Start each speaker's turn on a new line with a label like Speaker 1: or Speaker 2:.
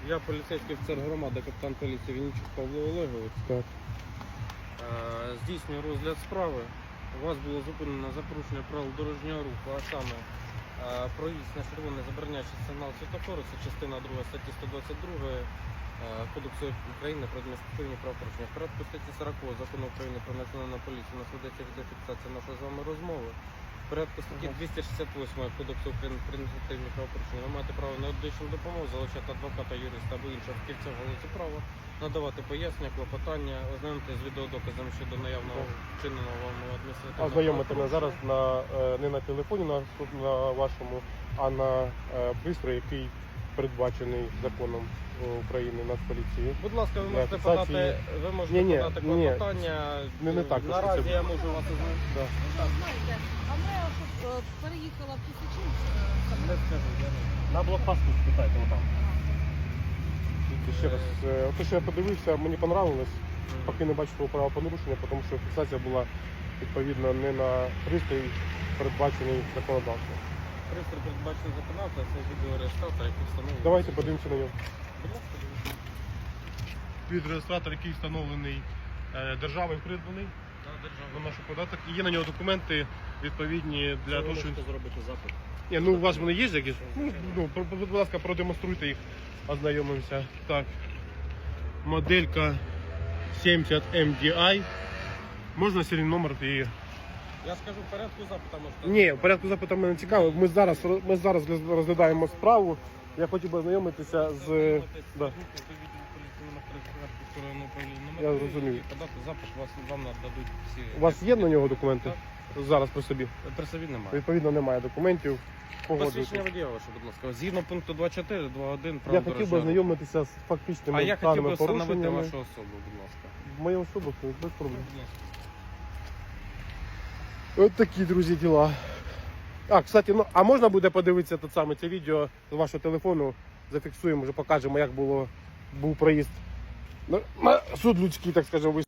Speaker 1: Я поліцейський офіцер громади, капітан поліції Вінничук Павло Олегович.
Speaker 2: Так.
Speaker 1: Здійснюю розгляд справи. Вас було зупинено за порушення правил дорожнього руху, а саме проїзд на червоний забороняючий сигнал світлофору, це частина 2 статті 122 Кодексу України про адміністративні правопорушення. В порядку статті 40 Закону України про національну поліцію у нас ведеться відеофіксація нашої з вами розмови. В порядку статті 268 Кодексу України про адміністративні правопорушення ви маєте право на медичну допомогу, залучати адвоката, юриста або іншого фахівця в галузі права, надавати пояснення, клопотання, ознайомити з відеодоказами щодо наявного вчиненого вам адміністративного
Speaker 2: Ознайомити мене зараз
Speaker 1: правопорушення.
Speaker 2: не на телефоні на вашому, а на пристрої, який передбачений законом України Нацполіції.
Speaker 1: Будь ласка, ви можете
Speaker 2: фіксації-
Speaker 1: подати, подати
Speaker 2: Ні.
Speaker 1: клопотання.
Speaker 2: Не так,
Speaker 1: Наразі
Speaker 2: це-
Speaker 1: я можу вас ознайомити.
Speaker 2: Да.
Speaker 3: Знаєте, а ми щоб переїхала в Тисячинськ.
Speaker 1: Не скажу, я не.
Speaker 4: На блокпосту спитайте, отам.
Speaker 2: Ще раз, те, що я подивився, мені понравилось, поки не бачив того правопорушення, тому що фіксація була відповідно не на пристрій, передбачений законодавством.
Speaker 1: Пристрій передбачений законодавця, це відеореєстратор, який встановлений.
Speaker 2: Давайте подивимося на нього.
Speaker 1: Будь ласка, дивіться.
Speaker 2: Відеореєстратор, який встановлений державою, придбаний
Speaker 1: Так, держава.
Speaker 2: на наш податок. І є на нього документи відповідні для того, що...
Speaker 4: зробити запит.
Speaker 2: Ні, ну у вас вони є якісь? Будь ласка, продемонструйте їх, ознайомимося. Так. Моделька 70 MDI. Можна серійний номер і...
Speaker 1: Я скажу, в порядку запита можете.
Speaker 2: Ні, в порядку запиту мене цікаво. Ми зараз розглядаємо справу. Я хотів би ознайомитися з... Да. Я зрозумів.
Speaker 1: Подати запит, вам нададуть всі.
Speaker 2: У вас є на нього документи? Зараз при собі.
Speaker 1: При собі немає.
Speaker 2: Відповідно, немає документів.
Speaker 1: Посвідчення
Speaker 2: Погоджуйтесь.
Speaker 1: водія ваше, будь ласка. Згідно пункту 2.4, 2.1
Speaker 2: Я хотів би ознайомитися з фактичними
Speaker 1: А я хотів би
Speaker 2: даними
Speaker 1: встановити
Speaker 2: порушеннями.
Speaker 1: вашу особу, будь ласка.
Speaker 2: Мою особу, без проблем.
Speaker 1: Будь ласка.
Speaker 2: От такі, друзі, діла. А, кстати, ну, а можна буде подивитися це відео з вашого телефону, зафіксуємо, вже покажемо, як був проїзд на суд людський, так скажемо.